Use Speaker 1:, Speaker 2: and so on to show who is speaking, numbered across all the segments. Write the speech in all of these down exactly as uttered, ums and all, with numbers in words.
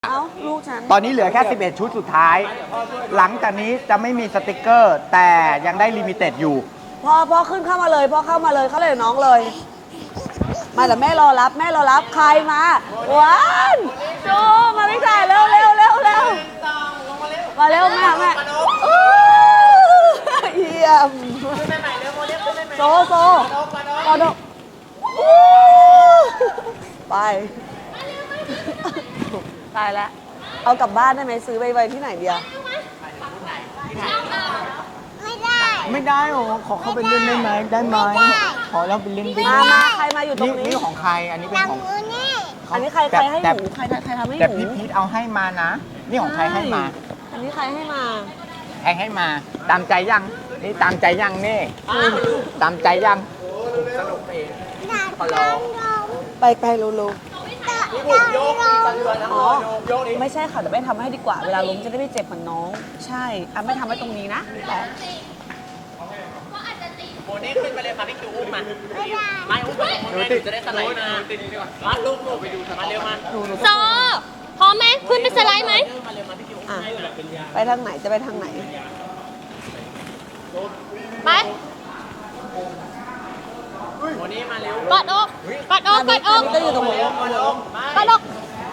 Speaker 1: เอ้าลูกฉัน
Speaker 2: ตอนนี้เหลือแค่ สิบเอ็ด ชุดสุดท้าย หลังจากนี้จะไม่มีสติกเกอร์ แต่ยังได้ลิมิเต็ดอยู่
Speaker 1: พ่อพ่อขึ้นเข้ามาเลยพ่อเข้ามาเลยเขาเลยน้องเลย มาแต่แม่รอรับแม่รอรับใครมาหวานจูมาพี่ชายเร็วเร็วเร็วเร็วมาเร็วแม่แม่อู้เยี่ยมโซโซกอดกอู้ไปตายแล้วเอากลับบ้านได้ไหมซื้อไปไว้ที่ไหนเดียว
Speaker 3: ไม่ได้
Speaker 2: ไม่ได้หรอขอเข้าไปเล่นได้ไหมได้ไหมขอเราไปเล่นได้
Speaker 1: มามาใครมาอยู่ตรงนี้
Speaker 2: นี่ของใครอันนี้เป็น
Speaker 3: หลัง
Speaker 2: ของ
Speaker 3: มือนี่
Speaker 1: อันนี้ใครใครให้ห
Speaker 2: แต่
Speaker 1: นูใครใครทำให้ห
Speaker 2: แต่
Speaker 1: นู
Speaker 2: พี่พีทเอาให้มานะ นี่ของใครให้มา
Speaker 1: อันนี้ใครให้มา
Speaker 2: ใครให้มา ตามใจยังนี่ตามใจยังนี่ตามใจยังสนุกเอง
Speaker 3: อยากลองลอง
Speaker 1: ไปไปลูลู
Speaker 3: นี่ผมโยกมีสันเรือนะ
Speaker 1: อ๋อไม่ใช่ค่ะเดี๋ยวไม่ทำให้ดีกว่า เวลาล้มจะได้ไม่เจ็บเหมือนน้อง ใช่อ่ะไม่ทำไว้ตรงนี้นะแต่
Speaker 4: โมเน่ขึ้นไปเลยค่ะพี่คิวอุ้มมา
Speaker 3: ไม่ได้
Speaker 4: ไม่อุ้มไปโมเน่จะได้สไลด์มามาลูกลูกไปดูมาเร็วมา
Speaker 1: หนูหนู
Speaker 5: โซพร้อมไหมขึ้นไปสไลด์ไหม
Speaker 4: มาเร็วมาพี่คิวอุ้ม
Speaker 1: อ่ะไปทางไหนจะไปทางไหน
Speaker 5: ไป
Speaker 4: โมเน่มาเร็ว
Speaker 5: กอดอกกอดอกกอดอก
Speaker 1: อันนี้ก็อยู่ตรงนี้
Speaker 4: มาลงมาก
Speaker 5: อดอก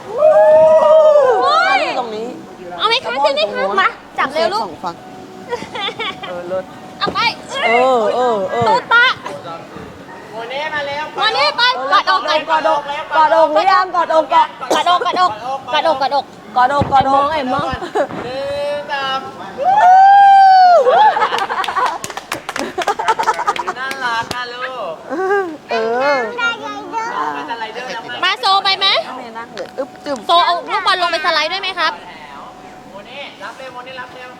Speaker 1: อันนี้อยู่ตรงนี้
Speaker 5: เอาไหมคะขึ้นไหมคะมาจับเร็วลูก
Speaker 1: สองฝั่งเออเลิศ
Speaker 5: เอาไป
Speaker 1: เออเออเออ
Speaker 5: ตูตะ
Speaker 4: โมเน่มาเร็ว
Speaker 5: มานี่ไปกอดอกกัน
Speaker 1: กอดอกกอดอกหรือยังกอดอกกอด
Speaker 5: กอดอกกอดอกกอดอกกอดอก
Speaker 1: กอดอกกอดอกไอ้มึง
Speaker 4: หนึ่งสามน่ารักนะลูก
Speaker 1: เออ
Speaker 3: ได้ไงเด้อ
Speaker 4: เป็นอะไรเด้อแล้วมา
Speaker 5: มาโซไปไหม
Speaker 1: ไม่นั่งเลยอึ๊บจึ๊บ
Speaker 5: โซเอาลูกบอลลงไปสไลด์ด้วยไหมครับ
Speaker 4: โมเน่รับเร็วโมเน่รับเร็ว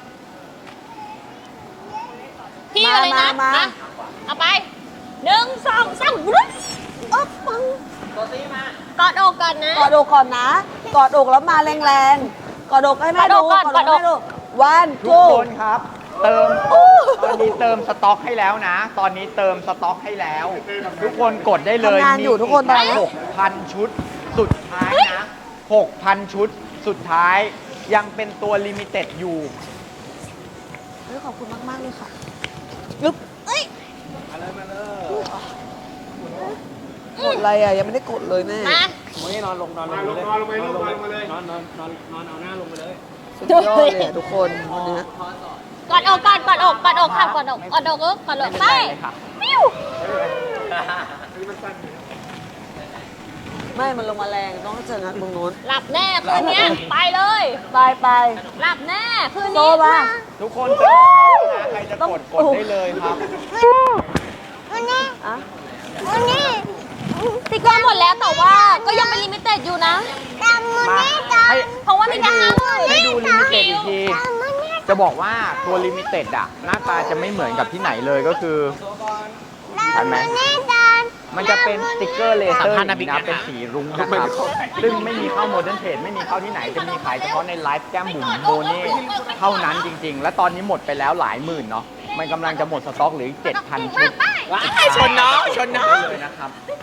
Speaker 5: พี่อะไรนะมาเอาไปหนึ่งสองสามวุ้น
Speaker 1: อ๊อบปัง
Speaker 4: ตัวซีมาก
Speaker 5: อดอกกันนะ
Speaker 1: กอดอกก่อนนะ กอดอกแล้วมาแรงๆ กอดอกให้แม่ดู
Speaker 5: กอดอกก่อน
Speaker 1: ให้ดูวัน
Speaker 2: ทุก
Speaker 1: ทู
Speaker 2: คนครับ เติมตอนนี้เติมสต็อกให้แล้วนะ ตอนนี้เติมสต็อกให้แล้ว ทุกคนกดได้เลย
Speaker 1: ทำงานอยู่ทุกคนตอนนี้
Speaker 2: หกพันชุดสุดท้ายนะหกพันชุดสุดท้ายยังเป็นตัวลิมิเต็ดอยู่
Speaker 1: เฮ้ยขอบคุณมาก ๆ เลยค่ะยึบเอ้ยกดอะไรอ่ะ ยังไม่ได้กดเลยแม่
Speaker 5: มา
Speaker 4: โมเน่นอนลงนอนลงเลยนอนลงไปนอนลงไปเลยนอนนอนนอนนอนเอาหน้าลงไปเลย
Speaker 1: สุดยอดเลยอะทุกคนวันนี้
Speaker 5: กอดอกกอดกอดอกกอดอกค่ะกอดอกกอดอกเออกอดอกไป
Speaker 2: ไม่เป็นไรเลยค่ะ
Speaker 5: ปิ้ว
Speaker 1: ไม่ มันลงมาแรงต้องเจองัดตรงนู้น
Speaker 5: หลับแน่คืนเนี้ยไปเลย
Speaker 1: ไปไป
Speaker 5: หลับแน่คืน
Speaker 1: โซ
Speaker 5: นี้
Speaker 1: มา
Speaker 2: ทุกคนเติมสต็อกนะใครจะกดกดได้เลยครับ
Speaker 3: วันนี้
Speaker 1: อ่ะ
Speaker 3: วันนี้
Speaker 5: สติกเกอร์หมดแล้วแต่ว่าก็ยังเป็นลิมิเต็ดอยู่นะ
Speaker 3: ตามมือ
Speaker 2: มา
Speaker 3: นี่ตาม
Speaker 2: ให้
Speaker 5: เพราะว่ามีแค่ห้าหมื่น
Speaker 2: ให้ดูลิมิเต็ดอีกที
Speaker 3: ตามมือนี่
Speaker 2: จะบอกว่าตัวลิมิเต็ดอะหน้าตาจะไม่เหมือนกับที่ไหนเลยก็คือ
Speaker 3: ตามมือนี่ตาม
Speaker 2: มันจะเป็นสติกเกอร์เลเซอร์อย่างนี้นะเป็นสีรุ้งนะครับ ซึ่งไม่มีเข้าโมเดิร์นเทรดไม่มีเข้าที่ไหน จะมีขายเฉพาะในไลฟ์แก้มบุ๋มโบเน่เท่านั้นจริง ๆ และตอนนี้หมดไปแล้วหลายหมื่นเนาะ มันกำลังจะหมดสต็อกเหลืออีกเจ็ดพันชุด
Speaker 4: ว้ายชนน้องชนน้อง
Speaker 2: เลยนะครับ